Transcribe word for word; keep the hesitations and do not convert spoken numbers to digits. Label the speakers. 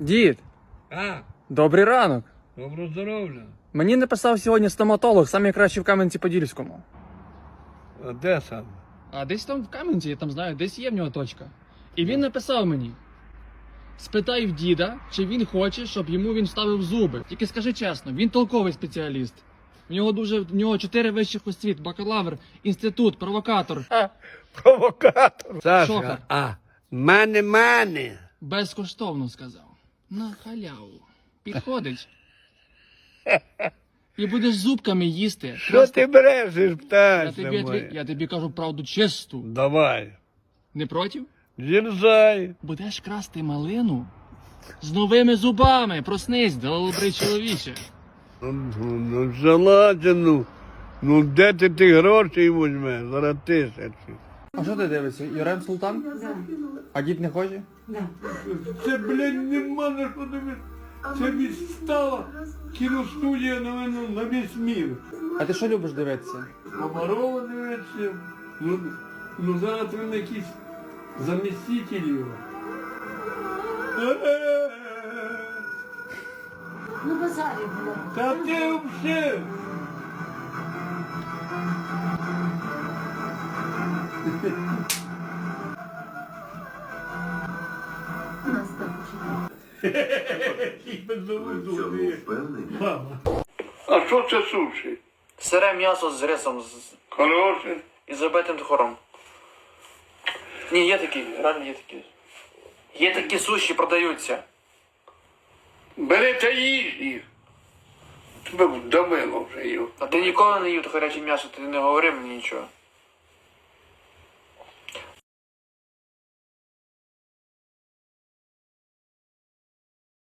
Speaker 1: Дід,
Speaker 2: А,
Speaker 1: добрий ранок.
Speaker 2: добро здоров'я.
Speaker 1: Мені написав сьогодні стоматолог, самий кращий в Кам'янці-Подільському.
Speaker 2: А де сам?
Speaker 1: А десь там в Кам'янці, я там знаю, десь є в нього точка. І він написав мені: спитай в діда, чи він хоче, щоб йому він вставив зуби. Тільки скажи чесно, він толковий спеціаліст. В нього дуже в нього чотири вищих освіт, бакалавр, інститут, провокатор.
Speaker 2: А, провокатор. Саша,
Speaker 1: Шока.
Speaker 2: а, мене, мене.
Speaker 1: Безкоштовно сказав. На халяву. Підходить. І будеш зубками їсти.
Speaker 2: Що ти брешеш,
Speaker 1: Я
Speaker 2: птаця
Speaker 1: тобі,
Speaker 2: моя?
Speaker 1: отві- я тобі кажу правду чисту.
Speaker 2: Давай.
Speaker 1: Не проти?
Speaker 2: Дерзай.
Speaker 1: Будеш красти малину з новими зубами. Проснись, добрий чоловіче.
Speaker 2: Ну, ну, ну, желательно. Ну, де ти ті гроші візьмеш? Зараз тисячі.
Speaker 1: А що ти дивишся? Юрем Султан?
Speaker 3: Да.
Speaker 1: А дід не хоче?
Speaker 3: Да.
Speaker 2: Це, блядь, нема на що дивитися. Це відстала кіностудія на мене на весь мір.
Speaker 1: А ти що любиш дивитися?
Speaker 2: Комарова дивиться. Ну, ну зараз він якийсь заміститель його.
Speaker 3: Ну, базарі було.
Speaker 2: Та ти взагалі.
Speaker 3: У нас так
Speaker 2: Мама. А що це суші?
Speaker 1: Сире м'ясо з рисом з...
Speaker 2: Хороше.
Speaker 1: і забитим тхором. Ні, є такі, реально є такі. Є такі суші, продаються.
Speaker 2: Бери та їж їх. Тебе вдавило вже його.
Speaker 1: А ти ніколи не їв то гаряче м'ясо, ти не говори мені нічого.